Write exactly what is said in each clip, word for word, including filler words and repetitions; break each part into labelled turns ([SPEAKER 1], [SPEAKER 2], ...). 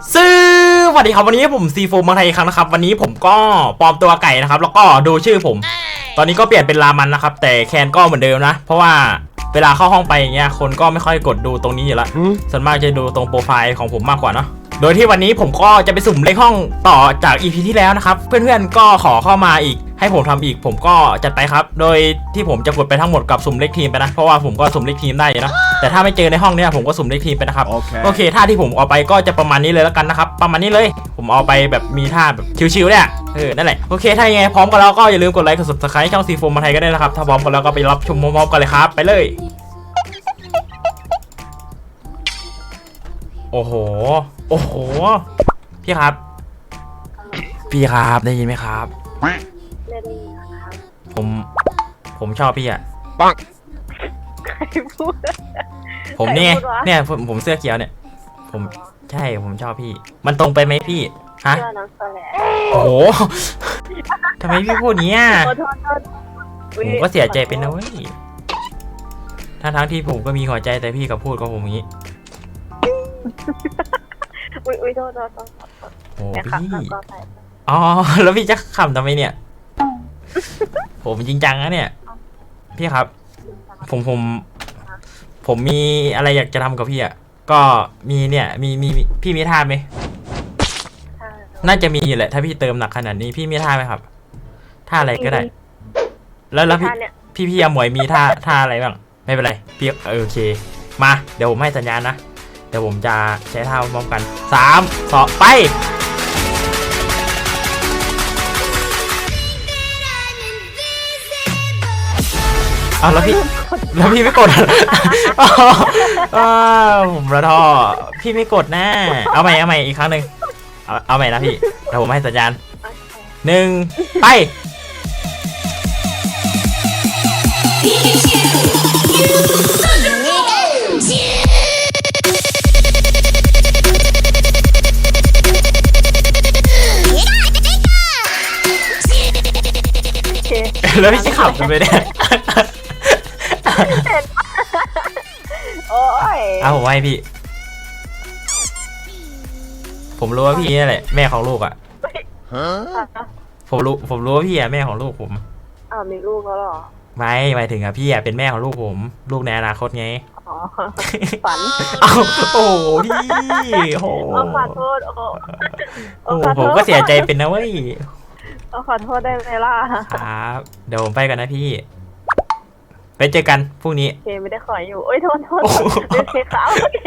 [SPEAKER 1] ซื้อสวัสดีครับวันนี้ผมซีโฟมมาไทยอีกครั้งนะครับวันนี้ผมก็ปลอมตัวไก่นะครับแล้วก็ดูชื่อผมตอนนี้ก็เปลี่ยนเป็นรามันนะครับแต่แคนก็เหมือนเดิมนะเพราะว่าเวลาเข้าห้องไปอย่างเงี้ยคนก็ไม่ค่อยกดดูตรงนี้อยู่ละส่วนมากจะดูตรงโปรไฟล์ของผมมากกว่าเนาะโดยที่วันนี้ผมก็จะไปสุ่มเลขห้องต่อจาก อี พี ที่แล้วนะครับเพื่อนๆก็ขอเข้ามาอีกให้ผมทำอีกผมก็จัดไปครับโดยที่ผมจะกดไปทั้งหมดกับสุ่มเลขทีมไปนะเพราะว่าผมก็สุ่มเลขทีมได้นะแต่ถ้าไม่เจอในห้องเนี้ยผมก็สุ่มเลขทีมไปนะครับ
[SPEAKER 2] okay.
[SPEAKER 1] โอเคท่าที่ผมเอาไปก็จะประมาณนี้เลยแล้วกันนะครับประมาณนี้เลยผมเอาไปแบบมีท่าแบบชิวๆเนี่ยเออนั่นแหละโอเคถ้ายังไงพร้อมกันแล้วก็อย่าลืมกดไลค์กด ซับสไครบ์ ช่องซีโฟมมาไทยก็ได้นะครับถ้าพร้อมกันแล้วก็ไปรับชมพร้อมๆกันเลยครับไปเลยโอ้โหโอ้โหพี่ครับพี่ครับได้ยินไหมครับ
[SPEAKER 3] ไม่ได้ยินครับ
[SPEAKER 1] ผมผมชอบพี่อะ
[SPEAKER 2] ปัง
[SPEAKER 3] ใครพูด
[SPEAKER 1] ผมเนี่ย
[SPEAKER 3] ใครพูดวะ
[SPEAKER 1] เนี่ยผมผมเสื้อเขียวเนี่ยผมใช่ผมชอบพี่มันตรงไปไหมพี่ฮะ
[SPEAKER 3] เชื่อน้องโซแล
[SPEAKER 1] โอ้โหทำไมพี่พูดเนี้ย
[SPEAKER 3] โทษโทษโทษ
[SPEAKER 1] ผมก็เสียใจเป็นนะเว้ยทั้งทั้งที่ผมก็มีหัวใจแต่พี่กับพูดกับผมอย่างนี้
[SPEAKER 3] อุ้ยอุ้ยโทษโทษโทษ
[SPEAKER 1] โอ้
[SPEAKER 3] แต่ขับ
[SPEAKER 1] พี่
[SPEAKER 3] แล้วก็ไป
[SPEAKER 1] อ๋อแล้วพี่จะขำทำไมเนี่ย ผมจริงจังนะเนี่ยพี่ครับ ผมผมผมมีอะไรอยากจะทำกับพี่อ่ะก็มีเนี่ยมีมีพี่มีท่าไหมน่าจะมีอยู่แหละถ้าพี่เติมหนักขนาดนี้พี่มีท่าไหมครับท่าอะไรก็ได้ แล้วแล้วพี่พี่พี่อมวยมีท่าท่าอะไรบ้างไม่เป็นไรพี่โอเคมาเดี๋ยวผมให้สัญญาณนะเดี๋ยวผมจะใช้ท่าพร้อมกันสามสองไปเอาแล้วพี่แล้วพี่ไม่กดผมระท่อพี่ไม่กดนะเอาใหม่เอาใหม่อีกครั้งหนึ่งเอาเอาใหม่นะพี่เดี๋ยวผมให้สัญญาณหนึ่งไปแล้วพี่จะขับไปเนี่ย
[SPEAKER 3] โอ้ย
[SPEAKER 1] เอาผมให้พี่ผมรู้ว่าพี่นี่แหละแม่ของลูกอ่ะผมรู้ผมรู้ว่าพี่อ่ะแม่ของลูกผม
[SPEAKER 3] อ้าวมีลูกแล้วหรอ
[SPEAKER 1] ไม่หมายถึงอ่ะพี่อ่ะเป็นแม่ของลูกผมลูกในอนาคตไง
[SPEAKER 3] อ๋อฝัน
[SPEAKER 1] เอาโอ้โหพี่โอ้โห
[SPEAKER 3] ขอโทษโอ้
[SPEAKER 1] โอ้โหผมก็เสียใจเป็นนะเว้ย
[SPEAKER 3] ขอโทษได้ไหมล่ะ
[SPEAKER 1] ครับเดี๋ยวผมไปกันนะพี่ไปเจอกันพรุ่งนี้
[SPEAKER 3] เคไม่ได้ขออยู่โอ้ยโทษโทษโอเคครับโอเค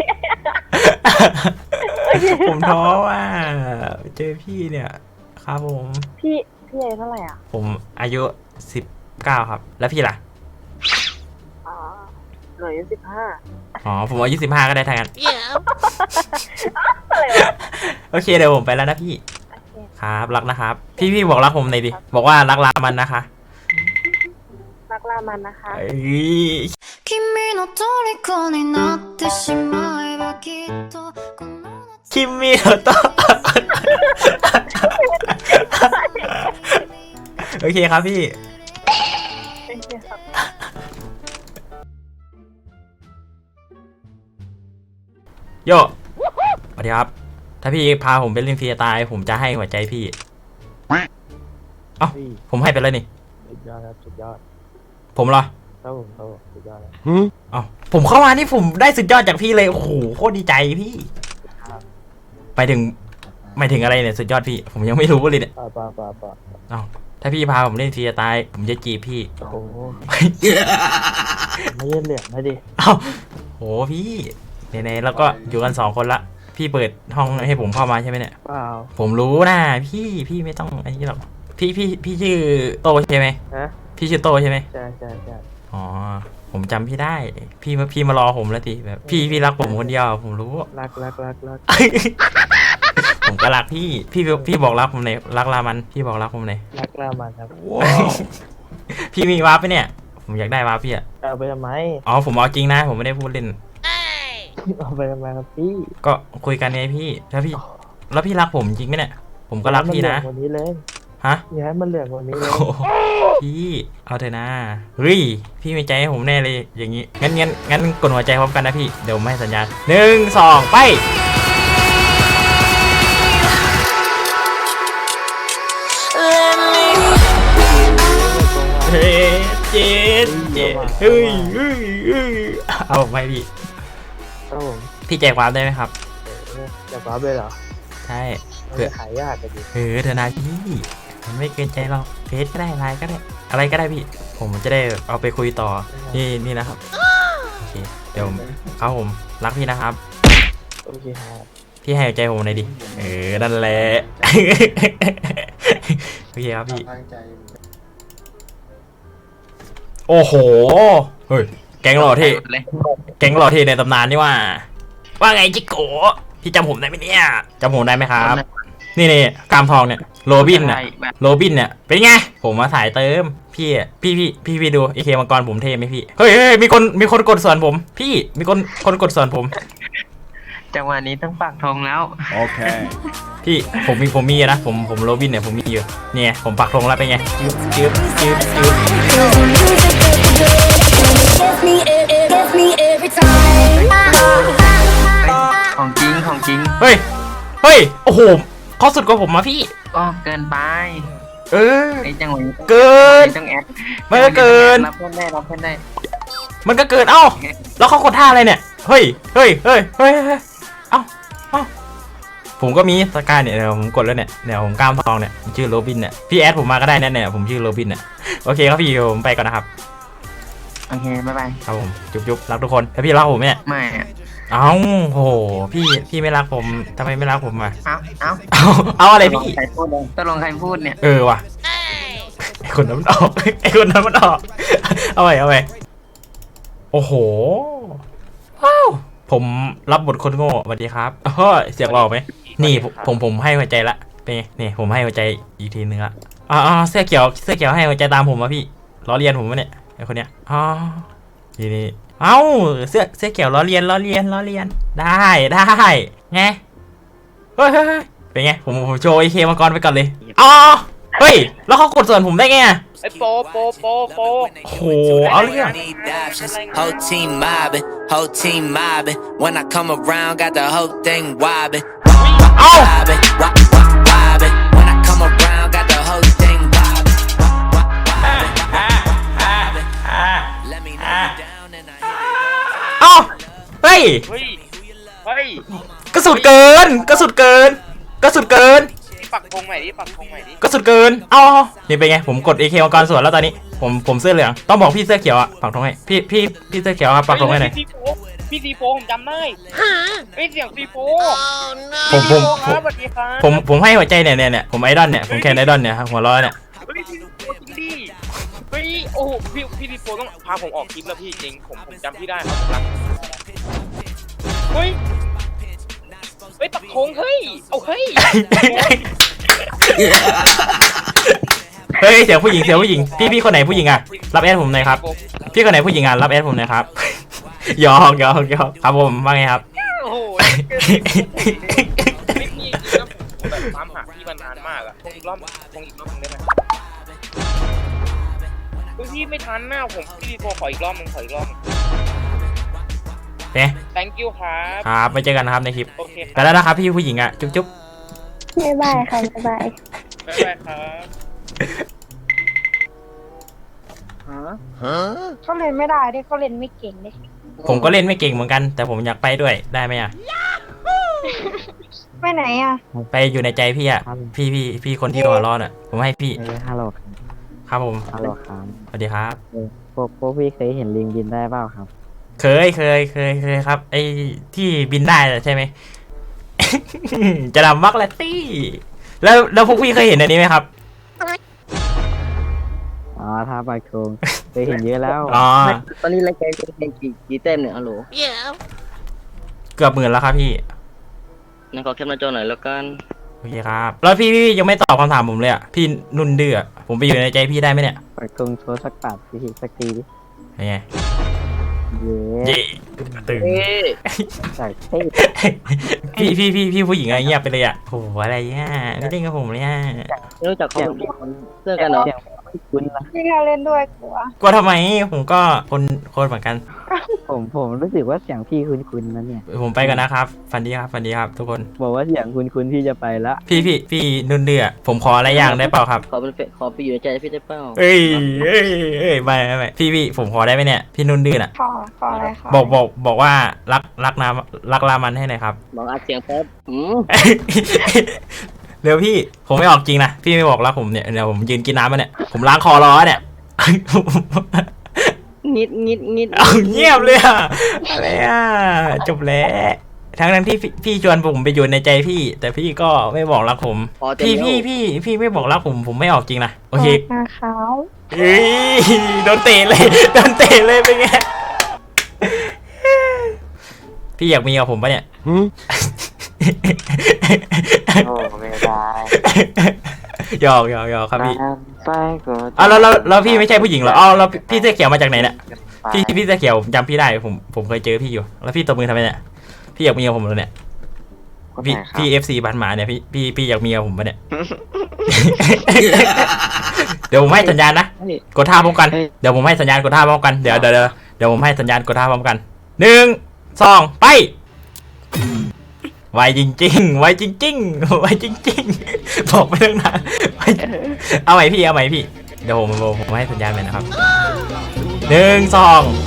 [SPEAKER 1] ผมท้อว่าเจอพี่เนี่ยครับผม
[SPEAKER 3] พี่พี่อายุเท่าไหร่อ่ะ
[SPEAKER 1] ผมอายุสิบเก้าครับแล้วพี่ล่ะ
[SPEAKER 3] อ๋อหนูอายุสิบห้า
[SPEAKER 1] อ๋อผมอายุสิบห้าก็ได้ทั้งนั้น
[SPEAKER 3] อะไรวะ
[SPEAKER 1] โอเคเดี๋ยวผมไปแล้วนะพี่
[SPEAKER 3] โอเค
[SPEAKER 1] ครับรักนะครับพี่พี่บอกรักผมหน่อยดิบอกว่ารักลามันนะคะ
[SPEAKER 3] รักลามันนะคะ
[SPEAKER 1] เอ้ย
[SPEAKER 4] 君の虜になってしまえばきっとこの
[SPEAKER 1] คิมมี่โตะโอเคครับพี่
[SPEAKER 3] โอเคครับ
[SPEAKER 1] โยสวัสดีครับถ้าพี่พาผมไปเล่นฟรีตายผมจะให้หัวใจพี่เอ้าผมให้ไปแล้วนี่
[SPEAKER 5] สุดยอดครับสุดยอด
[SPEAKER 1] ผมเหรอ
[SPEAKER 5] ครับผมครับผมสุดยอดเลย
[SPEAKER 1] เอ้าผมเข้ามานี่ผมได้สุดยอดจากพี่เลยโอ้โหโคตรดีใจพี่ไปถึงไม่ถึงอะไรเนี่ยสุดยอดพี่ผมยังไม่รู้เลยเนี่ย
[SPEAKER 5] ป่าป่าป่าป่า
[SPEAKER 1] เอ้าถ้าพี่พาผมเล่นฟรีตายผมจะจีบพี่
[SPEAKER 5] โอ้โหไม่เล่นเหลี่ยมไม่ดิ
[SPEAKER 1] เอ้าโหพี่ไหนๆแล้วก็อยู่กันสองคนละพี่เปิดห้องให้ผมเข้ามาใช่ไหมเนี่ย
[SPEAKER 5] เปล่า
[SPEAKER 1] ผมรู้นะพี่พี่ไม่ต้องอันนี้หรอกพี่พี่พี่ชื่อโตใช่ไหม
[SPEAKER 5] ฮะ
[SPEAKER 1] พี่ชื่อโตใช่ไหม
[SPEAKER 5] ใช่ใช่ใช่
[SPEAKER 1] อ๋อผมจำพี่ได้พี่มาพี่มารอผมแล้วทีแบบพี่พี่รักผมคนเดียวผมรู้
[SPEAKER 5] รักรักรักรัก
[SPEAKER 1] ผมก็รักพี่พี่พี่บอกรักผมในอยรักลามันพี่บอกรักผมในอย
[SPEAKER 5] รักลามันครับ
[SPEAKER 1] พี่มีวาร์ปไหมเนี่ยผมอยากได้วาร์ปพี่อะ
[SPEAKER 5] เอาไปทำไม
[SPEAKER 1] อ๋อผมเอาจริงนะผมไม่ได้พูดเล่น
[SPEAKER 5] เอาไปทำไมครับพี่
[SPEAKER 1] ก็คุยกันไงพี่แล้วพี่แล้วพี่รักผมจริงไหมเนี่ยผมก็รักพี่นะ
[SPEAKER 5] วันนี้เลย
[SPEAKER 1] ฮะ
[SPEAKER 5] อย่าให้มันเหลืองวันนี้เลย
[SPEAKER 1] โอ้โหพี่เอาเถอะนะเฮ้ยพี่มีใจให้ผมแน่เลยอย่างงี้งั้นงั้นงั้นกดหัวใจพร้อมกันนะพี่เดี๋ยวผมให้สัญญาณหนึ่งสองไปเย้เฮ้ยเฮ้ยเฮ้ยเอาไปพี่
[SPEAKER 5] ครับผม
[SPEAKER 1] พี่แจ้งความได้ไหมครับ
[SPEAKER 5] เออจะว้าไปเหรอ
[SPEAKER 1] ใช่
[SPEAKER 5] มัน
[SPEAKER 1] เพื่อ
[SPEAKER 5] จะขายยากกันดิ
[SPEAKER 1] เออเธอนาพี่มันไม่เกินใจเราเฟซก็ได้ไลน์ก็ได้ อะไรก็ได้พี่ ผมจะได้เอาไปคุยต่อ นี่นี่นะครับ โอเค เดี๋ยวครับผมรักพี่นะครับ
[SPEAKER 5] โอเคครับ
[SPEAKER 1] พี่ให้ใจผมหน่อยดิ เออ นั่นแหละ โอเคครับพี่ โอ้โห เฮ้ย แก๊งหล่อเท่แก๊งหล่อเท่ในตำนานนี่ว่า ว่าไงจิโกะพี่จำผมได้ไหมเนี่ยจำผมได้ไหมครับ นี่นี่กามทองเนี่ย โรบินเนี่ย โรบินเนี่ย เป็นไง ผมมาสายเติม พี่อะพี่พี่พี่พี่ดูเอเคมังกรผมเท่ไหมพี่ เฮ้ยเฮ้ยมีคนมีคนกดส่วนผม พี่ มีคนคนกดส่วนผม
[SPEAKER 2] จังหวะนี้ต้องปักธงแล้ว
[SPEAKER 6] Okay.
[SPEAKER 1] พี่ผมมีผมมีนะผมผมโรบินเนี่ยผมมีอยู่เนี่ยผมปักธงแล้วเป็นไงจืบจืบจืบจืบ
[SPEAKER 4] Gets me, it, it gets me every time.
[SPEAKER 2] ของจริงของจริง
[SPEAKER 1] เฮ้ยเฮ้ยโอ้โหเขาสุดกว่าผมมาพี่
[SPEAKER 2] ก็เกินไป
[SPEAKER 1] เออ
[SPEAKER 2] ไอ้จังหวะนี้ต้อง
[SPEAKER 1] เกิน
[SPEAKER 2] ต้องแอด
[SPEAKER 1] มันก็เกิน
[SPEAKER 2] รับเพื่อนได้รับเพื่อนได้
[SPEAKER 1] มันก็เกินเอ้าแล้วเขากดท่าอะไรเนี่ยเฮ้ยเฮ้ยเฮ้ยเฮ้ยเฮ้ยเอ้าเอ้าผมก็มีสกายเนี่ยเดี๋ยวผมกดแล้วเนี่ยเดี๋ยวผมกล้ามทองเนี่ยผมชื่อโรบินเนี่ยพี่แอดผมมาก็ได้เนี่ยเนี่ยผมชื่อโรบินเนี่ยโอเคครับพี่ผมไปก่อนนะครับ
[SPEAKER 2] โอเคบ๊ายบาย
[SPEAKER 1] ครับผมจุ๊บจุ๊บรักทุกคนแล้วพี่รักผมไหมเนี่ย
[SPEAKER 2] ไม่อะ
[SPEAKER 1] เอ้าโหพี่พี่ไม่รักผมทำไมไม่รักผมอ่ะ
[SPEAKER 2] เอ้าเอ้า
[SPEAKER 1] เอาเอาอะไร
[SPEAKER 2] ตกลง
[SPEAKER 1] พี่
[SPEAKER 2] ใครพูดเลยตกลงใครพูดเนี่ย
[SPEAKER 1] เออว่ะไอคนนั้นมันออกไอคนนั้นมันออกเอาไปเอาไปโอ้โหว้าวผมรับบทคนโง่สวัสดีครับเฮ้ยเสียงหล่อไหมนี่ผมผมผมให้หัวใจละเป็นไงนี่ผมให้หัวใจอีกทีนึงละอ๋อเสื้อเขียวเสื้อเขียวให้หัวใจตามผมมาพี่ล้อเลียนผมวะเนี่ยไอคนเนี้ยอ๋อนี่นี่เอ้าเสื้อเสื้อเขียวล้อเลียนล้อเลียนล้อเลียนได้ได้ไงเฮ้ยเฮ้ยเฮ้ยเป็นไงผมผมโชว์ไอเคมังกรไปก่อนเลยอ๋อเฮ้ยแล้วเขากดส่วนผมได้ไงอะ
[SPEAKER 7] ไอ้โปโปโปโป
[SPEAKER 1] โอ้โหเอาเรื่อง
[SPEAKER 8] Whole team mobbing, whole team mobbing. When I come around, got the whole thing wobbing.
[SPEAKER 1] Oh!
[SPEAKER 8] Wobbing, wop, wop, wobbing. When I come around, got the whole thing wobbing. Wop, wop, wobbing, wobbing, wobbing. Let me know you down and I hit it.
[SPEAKER 1] เอ้าเฮ้ย
[SPEAKER 7] เฮ้ย เฮ้ย
[SPEAKER 1] กระสุดเกินกระสุดเกินกระสุดเกิน
[SPEAKER 7] นี่ปักธงใหม่ดิ ปักธงใหม่ดิ
[SPEAKER 1] กระสุดเกินเอ้านี่เป็นไงผมกด เอ เค มังกรสวนแล้วตอนนี้ผมผมเสื้อเหลืองต้องบอกพี่เสื้อเขียวอะปักธงให้พี่พี่พี่เสื้อเขียวครับปักธงให้หน่อย
[SPEAKER 7] พี่ซีโฟพี่ซีโฟผมจำได้เฮ้ยเสียงซีโฟ
[SPEAKER 1] ผมผม
[SPEAKER 7] ซีโฟ
[SPEAKER 1] ผ
[SPEAKER 7] ค
[SPEAKER 1] ม
[SPEAKER 7] รับสวัสดีครับ
[SPEAKER 1] ผมผมให้หัวใจเนี่ยเนี่ยเนี่ยผมไอดอลเนี่ยผมแคนไอดอลเนี่ยครับหัวเร้อเนี่ย
[SPEAKER 7] เฮ้ยซีโฟจริงดิเฮ้ย โอ้โหพี่พี่ซีโฟต้องพาผมออกคลิปแล้วพี่จริง ผมผมจำพี่ได้ครับผมรักเฮ้ย เฮ้ยปักธงเฮ้ย เอาเฮ้ย
[SPEAKER 1] เฮ้ยเสียงผู้หญิงเสียงผู้หญิงพี่พี่คนไหนผู้หญิงอะรับแอดผมหน่อยครับพี่คนไหนผู้หญิงอะรับแอดผมหน่อยครับ หยอกหยอกหยอกครับผมว่าไงครับ
[SPEAKER 7] โอ้โหไม่พี่จริงนะผมแบบตามหาพี่มานานมากอะคงอีกรอบคงอีกรอบนึงได้ไหมเฮ้ยพี่ไม่ทันหน้าผมพี่ดีโฟขออีกรอบนึงขออีกรอบนึง
[SPEAKER 1] เนี่ย
[SPEAKER 7] thank you ครับ
[SPEAKER 1] ครับไปเจอกันนะครับในคลิป
[SPEAKER 7] โอเคค
[SPEAKER 1] ไป
[SPEAKER 7] รับ
[SPEAKER 1] แล้วนะครับพี่ผู้หญิงอะจุ๊บจุ๊บ
[SPEAKER 9] บ๊ายบายค่ะบ๊ายบาย
[SPEAKER 7] บ๊ายบายครับ
[SPEAKER 9] เขาเล่นไม่ได้ดิเขาเล่นไม่เก่งดิ
[SPEAKER 1] ผมก็เล่นไม่เก่งเหมือนกัน แต่ผมอยากไปด้วยได้ไหมอะ
[SPEAKER 9] ไปไหนอ่ะ
[SPEAKER 1] ไปอยู่ในใจพี่อะพี่พี่พี่คนที่รอรอดอะผมให้พี่
[SPEAKER 5] เออฮัลโหล
[SPEAKER 1] ครับผม
[SPEAKER 5] ฮัลโหลครับ
[SPEAKER 1] สวัสดีครับ
[SPEAKER 5] เออพวกพวกพี่เคยเห็นลิงบินได้เปล่าครับ
[SPEAKER 1] เคยเคยเคยเคยครับ ไอ้ที่บินได้น่ะใช่ไหม จะดำมักแลตตี้แล้วแล้วพวกพี่เคยเห็นอันนี้ไหมครับ
[SPEAKER 5] อ๋อท่าปากทงเคยเห็นเยอะแล้ว
[SPEAKER 1] อ๋อ
[SPEAKER 2] ตอนนี้รายการเป็นกี่กี่เต็มเนี่ยฮัลโหล
[SPEAKER 1] เกือบหมื่นแล้วครับพี่
[SPEAKER 2] นั่นขอแคปหน้าจอหน่อยแล้วกัน
[SPEAKER 1] โอเคครับแล้วพี่พี่ยังไม่ตอบคำถามผมเลยอะพี่นุ่นเดือผมไปอยู่ในใจพี่ได้ไหมเนี่ย
[SPEAKER 5] ปากทงโชว์สักปาดพี่สักทีดิ
[SPEAKER 1] เป็นไง
[SPEAKER 5] เย้
[SPEAKER 1] เย่ตึง
[SPEAKER 5] จากเท่
[SPEAKER 1] พี่พี่พี่พี่ผู้หญิงอะไรเงียบไปเลยอะโหอะไรเนี่ยไม่เล่นกับผมเลยอะ
[SPEAKER 2] รู้จักคนเสื้อกันเหรอ
[SPEAKER 5] เสียงคุณละ
[SPEAKER 9] พี่เขาเล่นด้วยกลัว
[SPEAKER 1] กลัวทำไมผมก็คนคนเหมือนกัน
[SPEAKER 5] ผมผมรู้สึกว่าเสียงพี่คุณคุณนะเนี่ย
[SPEAKER 1] ผมไปกันนะครับฟันดีครับฟันดีครับทุกคน
[SPEAKER 5] บอกว่าเสียงคุณคุณพี่จะไปละ
[SPEAKER 1] พี่พี่พี่นุ่นเดือผมขออะไรอย่างได้เปล่าครับ
[SPEAKER 2] ขอเป็นเฟขอไปอยู่ในใจพี่ได้เปล่า
[SPEAKER 1] เอ้ยเอ้ยเอ้ยไม่ไม่ไม่พี่พี่ผมขอได้ไหมเนี่ยพี่นุ่นเดือน่ะ
[SPEAKER 9] ขอขออะไรขอ
[SPEAKER 1] บอกบอกบอกว่ารักรักน้ำรักรามันให้หน่อยครับ
[SPEAKER 2] บอกอัดเสียงแป๊บอืม
[SPEAKER 1] เร็วพี่ผมไม่ออกจริงนะพี่ไม่บอกรักผมเนี่ยเดี๋ยวผมยืนกินน้ำมาเนี่ยผมล้างคอรอเนี่ย
[SPEAKER 2] งิดงิดงิด
[SPEAKER 1] เอาเงียบเลยอะอะไรอะจบแล้วทั้งนั้นที่พี่พี่ชวนผมไปอยู่ในใจพี่ แต่พี่ก็ไม่บอกรักผม
[SPEAKER 2] พอเต็ม
[SPEAKER 1] พี่
[SPEAKER 2] แล้ว
[SPEAKER 1] พี่พี่พี่ไม่บอกรักผมผมไม่ออกจริงนะโอเค
[SPEAKER 9] นาขาว
[SPEAKER 1] เฮ้ยโดนเตะเลยโดนเตะเลยเป็นไงพี่อยากมีกับผมปะเนี่ย
[SPEAKER 5] โอ้ไม่ได้
[SPEAKER 1] หยอกหยอกหยอกครับพี่
[SPEAKER 5] ไปก็
[SPEAKER 1] อ้าวแล้วแล้วแล้วพี่ไม่ใช่ผู้หญิงเหรออ้าวแล้วพี่เสื้อเขียวมาจากไหนเนี่ยพี่พี่เสื้อเขียวผมจำพี่ได้ผมผมเคยเจอพี่อยู่แล้วพี่ตบมือทำไมเนี่ยพี่อยากมีกับผมเหรอเนี่ยพี่พี่เอฟซีบันหมาเนี่ยพี่พี่พี่อยากมีกับผมปะเนี่ย เดี๋ยวผมให้สัญญาณนะกดท่าพร้อมกันเดี๋ยวผมให้สัญญาณกดท่าพร้อมกันเดี๋ยวเดี๋ยวเดี๋ยวเดี๋ยวผมให้สัญญาณกดท่าพร้อมกันหนึ่งสองไปไวจริงๆไวจริงๆไวจริงๆบอกไปเรื่องนั้นไวเอาใหม่พี่เอาใหม่พี่เดี๋ยวผมผมผมให้สัญญาณไปนะครับหนึ่งสองไป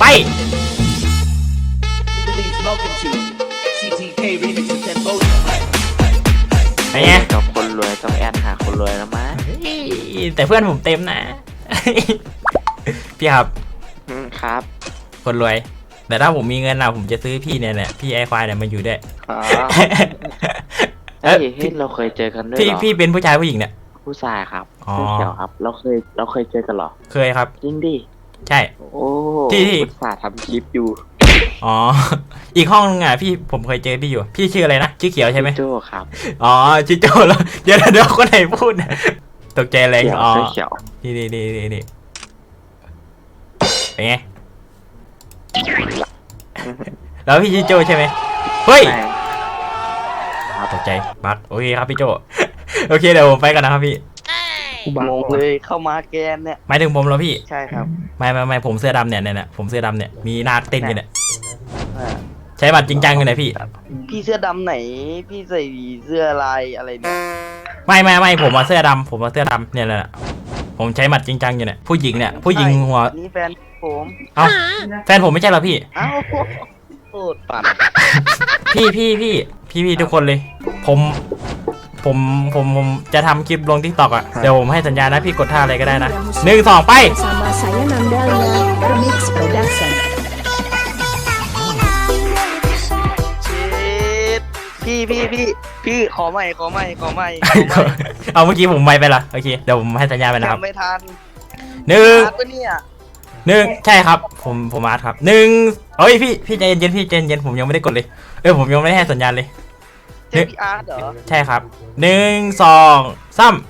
[SPEAKER 1] ไง
[SPEAKER 5] กับคนรวยต้องแอดหาคนรวยแล้วมั้ย
[SPEAKER 1] แต่เพื่อนผมเต็มนะ พี่ครับ
[SPEAKER 5] ครับ
[SPEAKER 1] คนรวย แต่ถ้าผมมีเงินนะผมจะซื้อพี่เนี่ยแหละพี่ไอควายเนี่ยมาอยู่ด้วย
[SPEAKER 5] อ๋อ
[SPEAKER 1] เอ้ย
[SPEAKER 5] เฮ้ยเราเคยเจอกันด้วย
[SPEAKER 1] พี่
[SPEAKER 5] เหรอ
[SPEAKER 1] พี่เป็นผู้ชายผู้หญิงเนี่ย
[SPEAKER 5] ผู้ชายครับ
[SPEAKER 1] อ๋อ
[SPEAKER 5] เสื้อเขียวครับ เราเคยเราเคยเจอกันเหรอ
[SPEAKER 1] เคยครับ
[SPEAKER 5] จริงดิ
[SPEAKER 1] ใช่
[SPEAKER 5] โอ้
[SPEAKER 1] ที่ที่
[SPEAKER 5] อุตส่าห์ทำคลิปอยู่
[SPEAKER 1] อ๋อ อีกห้องนึงอ่ะพี่ผมเคยเจอพี่อยู่ พี่ชื่ออะไรนะชื่อเขียวใช่ไหม
[SPEAKER 5] โจ้ครับ
[SPEAKER 1] อ๋อชื่อโจแล้วเดี๋ยวเดี๋ยวคนไหนพูดเนี่ยตกใจแรง
[SPEAKER 5] เขียว
[SPEAKER 1] อ๋อ
[SPEAKER 5] เสื้อเขียว
[SPEAKER 1] นี่นี่นี่นี่นี่เป็นไง แล้วพี่ชื่อโจใช่ไหมเฮ้ย
[SPEAKER 5] ไม่
[SPEAKER 1] ตกใจบักโอเคครับพี่โจ โอเคเดี๋ยวผมไปกันนะครับพี่
[SPEAKER 5] งงเลยเข้ามาแกนเนี่ย
[SPEAKER 1] หมายถึงผมเหรอพี่
[SPEAKER 5] ใช่ครับ
[SPEAKER 1] ไม่ไม่ไม่ผมเสื้อดำเนี่ยเนี่ยเนี่ยผมเสื้อดำเนี่ยมีนาคเต้นอยู่เนี่ยใช้บัตรจริงจังอยู่ไหนพี่
[SPEAKER 6] พี่เสื้อดำไหน พี่ใส่เสื้อลายอะไรเนี่ย
[SPEAKER 1] ไม่ไม่ไม่ผมมาเสื้อดำผมมาเสื้อดำเนี่ยแหละผมใช้บัตรจริงจังอยู่เนี่ยผู้หญิงเนี่ยผู้หญิงหัว
[SPEAKER 6] นี่แฟนผม
[SPEAKER 1] เอ้าแฟนผมไม่ใช่เหรอพี่
[SPEAKER 6] เอ้าโคตรปั่น
[SPEAKER 1] พี่พี่พี่พี่พี่ทุกคนเลย ผมผมผมผมจะทำคลิปลงทิกตอกอ่ะเดี๋ยวผมให้สัญญาณนะพี่กดท่าอะไรก็ได้นะหนึ่งสองไป
[SPEAKER 10] Sama saya Nandalia, Remix Production.
[SPEAKER 6] เช็ดพี่พี่พี่พี่ขอใหม่ขอใหม่ขอใหม่ขอใหม่
[SPEAKER 1] เอาเมื่อกี้ผมไม่ไปละโอเคเดี๋ยวผมให้สัญญาณไปนะครับ
[SPEAKER 6] จำไม่ทัน
[SPEAKER 1] หนึ่ง
[SPEAKER 6] ทันปะเนี่ย
[SPEAKER 1] หนึ่งใช่ครับผมผมอาร์ตครับหนึ่งเฮ้ยพี่พี่ใจเย็นๆพี่ใจเย็นๆผมยังไม่ได้กดเลยเออผมยังไม่ได้ให้สัญญาณเลย
[SPEAKER 6] เจ๊พี่อาร์ตเหรอ
[SPEAKER 1] ใช่ครับหนึ่งสองสาม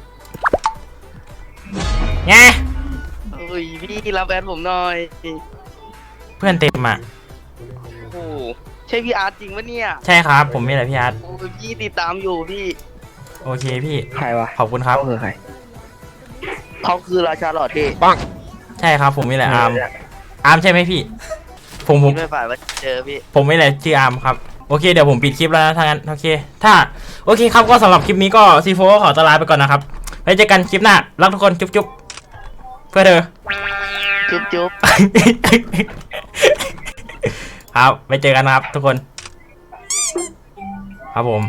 [SPEAKER 1] ไง
[SPEAKER 6] เฮ้ยพี่รับแฟนผมหน่อย
[SPEAKER 1] เพื่อนเต็มอ่ะ
[SPEAKER 6] โอ้โหใช่พี่อาร์ตจริงปะเนี่ย
[SPEAKER 1] ใช่ครับผมนี่แหละพี่อาร์ต
[SPEAKER 6] โอ้ยพี่ติดตามอยู่พี่
[SPEAKER 1] โอเคพี่
[SPEAKER 5] ใครวะ
[SPEAKER 1] ขอบคุณครับ
[SPEAKER 5] คือใคร
[SPEAKER 6] เขาคือราชาหล่อเท่
[SPEAKER 1] ใช่ครับผมนี่แหละอาร์มอาร์มใช่ไหมพี่ผมผม
[SPEAKER 6] พี่ไม่ฝ่ายว่าเจอพี่
[SPEAKER 1] ผมนี่แหละชื่ออาร์มครับโอเคเดี๋ยวผมปิดคลิปแล้วนะถ้างั้นโอเคถ้าโอเคครับก็สำหรับคลิปนี้ก็ซีโฟขอตวลาไปก่อนนะครับไว้เจอกันคลิปหน้ารักทุกคนจุ๊บจุ๊บเพื่อเธอ
[SPEAKER 6] จุ๊บจุ๊บ
[SPEAKER 1] ครับไปเจอกันนะครับทุกคน ครับผม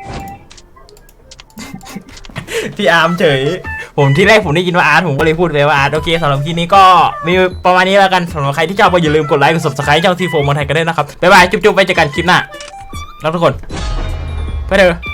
[SPEAKER 1] พี่อาร์มเฉยผมที่แรกผมได้ยินว่าอาร์ตผมก็เลยพูดไปว่าอาร์ตโอเคสำหรับคลิปนี้ก็มีประมาณนี้แล้วกันสำหรับใครที่ชอบก็อย่าลืมกดไลค์กด ซับสไครบ์ ช่องทีโฟมอนไทยกันด้วยนะครับบ๊ายบายจุ๊บๆไปเจอกันคลิปหน้ารักทุกคนเพื่อเธอ